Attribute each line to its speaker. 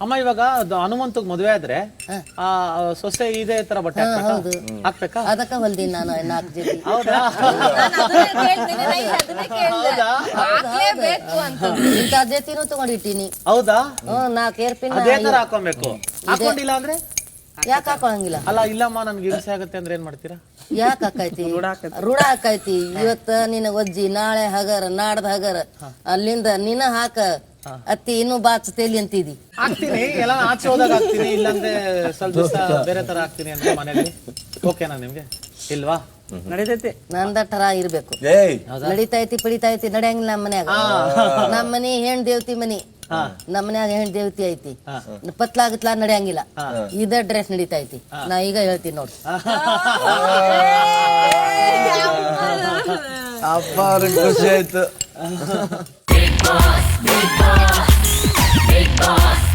Speaker 1: ಅಮ್ಮ ಇವಾಗ ಹನುಮಂತಗ್ ಮದ್ವೆ ಆದ್ರೆ ಆ ಸೊಸೆ ಇದೇ ತರ ಬಟ್ಟೆ ಹಾಕ್ಬೇಕಾ?
Speaker 2: ಅದಕ್ಕ ಹೊಲ್ದೀನಿ ನಾನು 4 ಜೊತೆ.
Speaker 1: ಹೌದಾ?
Speaker 2: ಇಂಥ ಜೊತೆನೂ ತಗೊಂಡಿಟ್ಟಿನಿ.
Speaker 1: ಹೌದಾ?
Speaker 2: 4 ಏರ್ಪಿನ್
Speaker 1: ಅದೇ ತರ ಹಾಕೊಬೇಕು. ಹಾಕೊಂಡಿಲ್ಲ ಅಂದ್ರೆ
Speaker 2: ಯಾಕೆ ಹಾಕೊಳಂಗಿಲ್ಲ?
Speaker 1: ಅಲ್ಲ ಇಲ್ಲಮ್ಮ ನನ್ಗೆ ಹಿಂಸೆ ಆಗತ್ತೆ ಅಂದ್ರೆ ಏನ್ ಮಾಡ್ತೀರಾ?
Speaker 2: ಯಾಕೆ ಹಾಕೈತಿ? ರೂಢ ಹಾಕೈತಿ. ಇವತ್ತ ನಿನ್ನ ಒಜ್ಜಿ, ನಾಳೆ ಹಗರ, ನಾಡ್ದ ಹಗರ, ಅಲ್ಲಿಂದ ನಿನ್ನ ಹಾಕ ಅತ್ತಿ ಇನ್ನೂ ಬಾಚ್ ತೇಲಿ ಅಂತಿದಿ.
Speaker 1: ಹಾಕ್ತೀನಿ, ಎಲ್ಲ ಆಚೆ ಹೋದಾಗ ಹಾಕ್ತೀನಿ, ಇಲ್ಲಾಂದ್ರೆ ಸ್ವಲ್ಪ ದಿವಸ ಬೇರೆ ತರ ಹಾಕ್ತೀನಿ ಅಂತ ಮನೇಲಿ. ಓಕೆನಾ ನಿಮ್ಗೆ? ಇಲ್ವಾ? ನಡೀತೈತಿ.
Speaker 2: ನಂದಟರ ಇರ್ಬೇಕು. ನಡಿತೈತಿ ಪಿಡಿತೈತಿ ನಡೆಯಂಗಿಲ್ಲ ನಮ್ಮ ಮನ್ಯಾಗ. ನಮ್ಮ ಮನಿ ಹೆಣ್ ದೇವತಿ ಮನಿ. ನಮ್ಮ ಮನ್ಯಾಗ ಹೆಣ್ ದೇವತಿ ಐತಿ. ಪತ್ಲಾಗತ್ಲಾ ನಡೆಯಂಗಿಲ್ಲ. ಇದ ಡ್ರೆಸ್ ನಡೀತೈತಿ. ನಾ ಈಗ ಹೇಳ್ತೀನಿ ನೋಡಿ.
Speaker 3: ಅಪ್ಪ ಅವ್ರಿಗೆ ಖುಷಿ ಆಯ್ತು.
Speaker 4: Big boss, big boss, big boss.